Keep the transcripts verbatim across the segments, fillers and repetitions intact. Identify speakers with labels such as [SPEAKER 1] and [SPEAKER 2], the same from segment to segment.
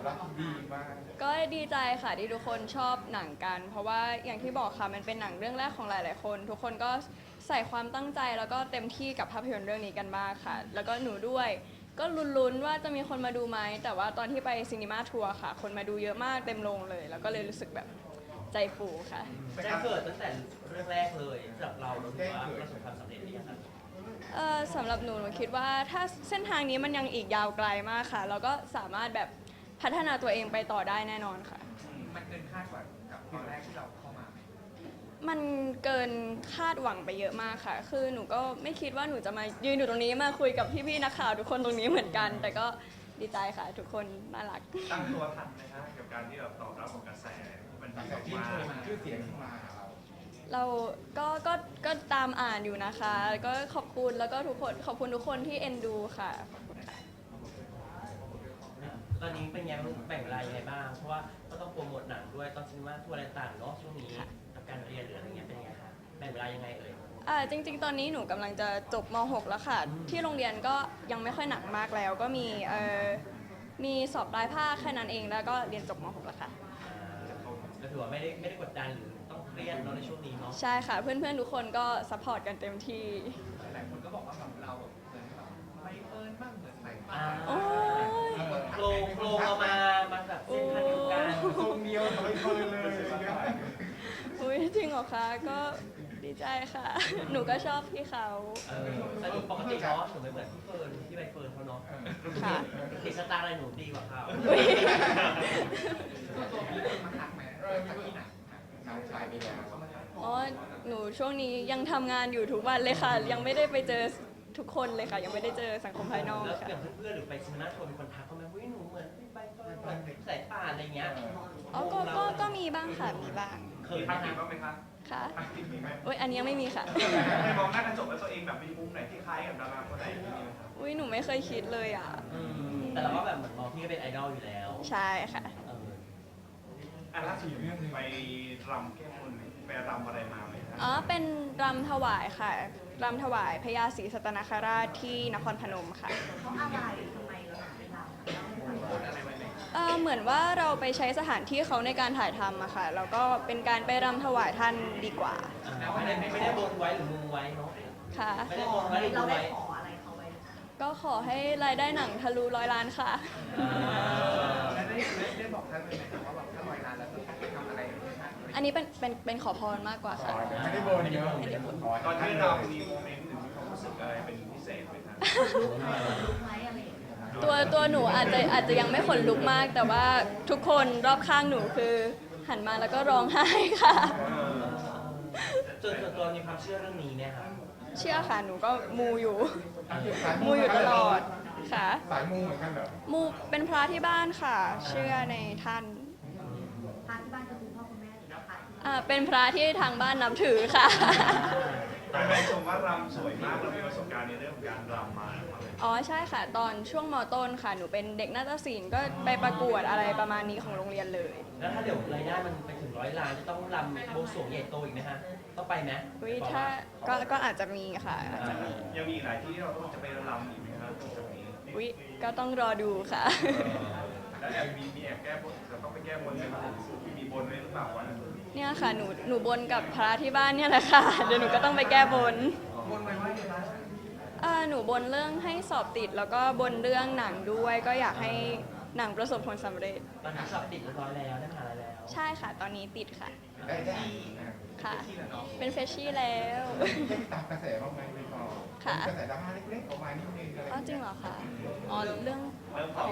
[SPEAKER 1] รับดีมาก
[SPEAKER 2] ก็ดีใจค่ะที่ทุกคนชอบหนังกัน เพราะว่าอย่างที่บอกค่ะมันเป็นหนังเรื่องแรกของหลายๆคน ทุกคนก็ใส่ความตั้งใจแล้วก็เต็มที่กับภาพยนตร์เรื่องนี้กันมากค่ะ แล้วก็หนูด้วยก็ลุ้นๆว่าจะมีคนมาดูไหมแต่ว่าตอนที่ไปซีนีมาทัวร์ค่ะ คนมาดูเยอะมากเต็มโรงเลย แล้วก็เลยรู้สึกแบบใจฟูค่ะ
[SPEAKER 3] แจ้งเกิดตั้งแต่เรื่องแรกเลยสำหรับเราเราถือว่าประสบความสำเร็จหรือยังครับ
[SPEAKER 2] เอ่อสำหรับหนูหนูคิดว่าถ้าเส้นทางนี้มันยังอีกยาวไกลมากค่ะเราก็สามารถแบบพัฒนาตัวเองไปต่อได้แน่นอนค่ะ
[SPEAKER 1] มันเกินคาดกว่ากับตอนแรกที่เราเข้ามาไหม
[SPEAKER 2] มันเกินคาดหวังไปเยอะมากค่ะ คือหนูก็ไม่คิดว่าหนูจะมายืนอยู่ตรงนี้มาคุยกับพี่ๆนักข่าวทุกคนตรงนี้เหมือนกัน แต่ก็ดีใจค่ะทุกคนน่ารัก
[SPEAKER 4] ตั้งตัวทันไหมคะกับการที่เราตอบรับของกระแสที่มันดีออกมา
[SPEAKER 1] ชื่อเสียงขึ้นมาเรา
[SPEAKER 2] เราก็ก็ก็ตามอ่านอยู่นะคะก็ขอบคุณแล้วก็ทุกคนขอบคุณทุกคนที่เอ็นดูค่ะ
[SPEAKER 3] ตอนนี้เป็นยังแบ่งเวลายังไงบ้างเพราะว่าก็ต้องโปรโมทหนังด้วยตอนซีนีมาทัวร์อะไรต่างเนาะช่วงนี้กับการเรียนหรืออะไรเงี้ยเป็นยังไงคะแบ่งเวลายังไงเอ่ย
[SPEAKER 2] อ่าจริงๆตอนนี้หนูกำลังจะจบม หก แล้วค่ะที่โรงเรียนก็ยังไม่ค่อยหนักมากแล้วก็มีเอ่อมีสอบปลายภาคแค่นั้นเองแล้วก็เรียนจบม หก แล้วค่ะ
[SPEAKER 3] ก็ถือว่าไม่ได้ไม่ได้กดดันหรือต้องเครียดเนาะในช่วงนี้เนาะ
[SPEAKER 2] ใช่ค่ะเพื่อนๆทุกคนก็ซัพพอร์ตกันเต็มที่
[SPEAKER 1] หลายคนก็บอกว่าแบบเราเหมือนแบบไม่เอิญบ้างเหมือนไหนบ้า
[SPEAKER 2] โอ้ย
[SPEAKER 3] โครงโครงเรามามาแบบเส้นทางเดียวกัน
[SPEAKER 1] ทรงเดียวทำไมเอิญเลย
[SPEAKER 2] อุ้ยจริงเหรอคะก็ดีใจค่ะหนูก็ชอบพี่เขา
[SPEAKER 3] เออแต่หนูปกติเนาะหนูไม่เหมือนพี่เฟิร์นพี่ใบเฟิร์นเขาเนาะ
[SPEAKER 2] ค่ะ
[SPEAKER 3] ติดสตาร์อะไรหนูดีกว่าเขา
[SPEAKER 1] ตัวพี่เอิญมาทักไหมเออที่ไหนน้องชายมีแล้ว
[SPEAKER 2] อ๋อหนูช่วงนี้ยังทำงานอยู่ทุกวันเลยค่ะยังไม่ได้ไปเจอทุกคนเลยค่ะยังไม่ได้เจอสังคมภายนอก
[SPEAKER 3] แล้ว
[SPEAKER 2] ค่ะ
[SPEAKER 3] อย่างเพื่อนๆหรือไปซีนีมาทัวร์มีคนทักเขาไหมว่าหนูเหมือนพี่ใบเฟิร์นเหมือนสายป่านอะไรเงี้ย
[SPEAKER 2] อ๋อก็ก็ก็มีบ้างค่ะมีบ้าง
[SPEAKER 4] เคยทักผิดบ้างไหมคะ
[SPEAKER 2] ค่ะ
[SPEAKER 4] ทักผิดมีไหม
[SPEAKER 2] อุ้ยอันนี้ยังไม่มีค่ะ
[SPEAKER 4] เคยมองหน้ากระจกแล้วตัวเองแบบมีมุมไหนที่คล้ายกับดาราคนไหนมีไหมคะ
[SPEAKER 2] อุ้ยหนูไม่เคยคิดเลยอ่ะ
[SPEAKER 3] แต่เราก็แบบเหมือนมองพี่ก็เป็นไอดอลอยู่แล้ว
[SPEAKER 2] ใช่ค่ะ
[SPEAKER 4] อ่ะล่าสุดไปรำแก้บนไปรำอะไรมาไหมคะ
[SPEAKER 2] อ๋อเป็นรำถวายค่ะรำถวายพญาศรีสัตนคราชที่นครพนมค่ะ
[SPEAKER 5] เพราะอะไรทำไมเราถึงไปรำ
[SPEAKER 2] เออเหมือนว่าเราไปใช้สถานที่เขาในการถ่ายทำอะค่ะแล้วก็เป็นการไปรำถวายท่านดีกว่า
[SPEAKER 3] ไม่ได้ไม่ได้บนไว้หรือมุงไว้เนาะ
[SPEAKER 2] ค่ะ
[SPEAKER 3] ไม่ได้บนไว้หรือมุ
[SPEAKER 5] เรา
[SPEAKER 3] ง
[SPEAKER 5] ได้
[SPEAKER 3] ไว้
[SPEAKER 5] ขออะไรเขาไว้
[SPEAKER 2] ก็ขอให้รายได้หนังทะลุร้อยล้านค่ะ
[SPEAKER 1] แล้วได้ได้บอกท่านไหมครับว่าแบบถ้าร้อยล้านแล้วจะทำอะไร
[SPEAKER 2] อันนี้เป็นเป็นเป็นขอพรมากกว่าค่ะ
[SPEAKER 1] ไม่ได้บนเยอะ
[SPEAKER 4] ตอนที่เรามีโมเมนต์หรือมีความรู้สึกอะไรเป็นพิเศษไหมคะ
[SPEAKER 5] รู้ไหมอะไรอย่างเงี้ย
[SPEAKER 2] ตัวตัวหนูอาจจะอาจจะยังไม่ขนลุกมากแต่ว่าทุกคนรอบข้างหนูคือหันมาแล้วก็ร้องไห้ค่ะ
[SPEAKER 3] ส่วนตัวมีความเชื่อเรื่องนี้เนี่ยครับ
[SPEAKER 2] เชื่อค่ะหนูก็มูอยู่มูอยู่ตลอดค่ะ
[SPEAKER 1] สายมูเหมือนกันเหรอ
[SPEAKER 2] มูเป็นพระที่บ้านค่ะเชื่อในท่าน
[SPEAKER 5] พาที่บ้านคือคุณพ่อคุณแม่หรือว่าพาที่
[SPEAKER 2] อ่าเป็นพระที่ทางบ้านนับถือค่ะ
[SPEAKER 4] แฟนชมว่ารำสวยมากเรามีประสบการณ์ในเรื่องของการรำมา
[SPEAKER 2] อ๋อใช่ค่ะตอนช่วงม.ต้นค่ะหนูเป็นเด็กนาฏศิลป์ก็ไปประกวดอะไรประมาณนี้ของโรงเรียนเลย
[SPEAKER 3] แล้วถ้าเดี๋ยวรายได้มันไปถึงร้อยล้านจะต้องรำโบสถ์ใหญ่โตอีกไหมฮะต้องไปไหม
[SPEAKER 2] วิถ้าก็ก็อาจจะมีค่ะอาจจะมี
[SPEAKER 4] ยังมีหลายที่ที่เราต้องจะไปรำอีกไหมครับตรงนี้
[SPEAKER 2] วิก็ต้องรอดูค่ะ
[SPEAKER 4] แล้วแอบมีมีแอบแก้บนจะต้องไปแก้บนไหมครับมีบนไว้หรือเปล่าวัน
[SPEAKER 2] เนี่ยค่ะหนูหนูบนกับพระที่บ้านเนี่ยแหละค่ะเดี๋ยวหนูก็ต้องไปแก้บน
[SPEAKER 1] บนไว้ว่าอย่างไร
[SPEAKER 2] หนูบนเรื่องให้สอบติดแล้วก็บนเรื่องหนังด้วยก็อยากให้หนังประสบผลสำเร็จ
[SPEAKER 3] ตอนนี้สอบติดเรียบร้อยแล้วได้มหาลัยแล้ว
[SPEAKER 2] ใช่ค่ะตอนนี้ติดค่ะ
[SPEAKER 1] ได้ได้
[SPEAKER 2] ค่ะเป็นเฟชชี่แล้ว
[SPEAKER 1] ได้ตามกระแสบ้างไหมไม่พอค่ะกระแสดราม่าเล็กๆออกมานิดนึงอะไร
[SPEAKER 2] อ๋อจริงเหรอคะอ๋อเรื่อง
[SPEAKER 4] อ๋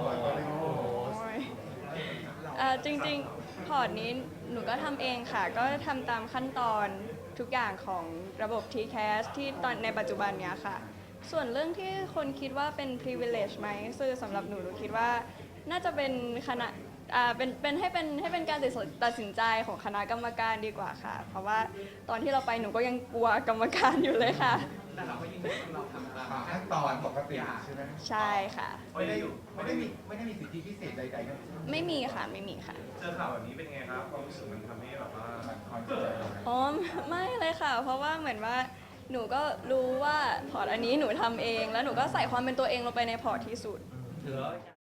[SPEAKER 2] อจริงๆพอร์ตนี้หนูก็ทำเองค่ะก็ทำตามขั้นตอนทุกอย่างของระบบ ที แคส ที่ตอนในปัจจุบันเนี้ยค่ะส่วนเรื่องที่คนคิดว่าเป็น privilege ไหมคือสำหรับหนูหนูคิดว่าน่าจะเป็นคณะอ่าเป็นเป็นให้เป็นให้เป็นการตัดสินใจของคณะกรรมการดีกว่าค่ะเพราะว่าตอนที่เราไปหนูก็ยังกลัวกรรมการอยู่เลยค่ะ
[SPEAKER 1] แต่เราก็ยิ่งเราทำตามขั้นตอนปกติใช่ไหม
[SPEAKER 2] ใช่ค่ะ
[SPEAKER 1] ไม่ได้ไม่ได้มีไม่ได้มีสิทธิพิเศษใดๆทั้งสิ้น
[SPEAKER 2] ไม่มีค่ะไม่มีค่ะ
[SPEAKER 4] เจอข่าวแบบนี้เป็นไงครับความรู้สึกมันทำให้แบบว่า
[SPEAKER 2] อ๋อไม่เลยค่ะเพราะว่าเหมือนว่าหนูก็รู้ว่าพอร์ตอันนี้หนูทำเองแล้วหนูก็ใส่ความเป็นตัวเองลงไปในพอร์ตที่สุด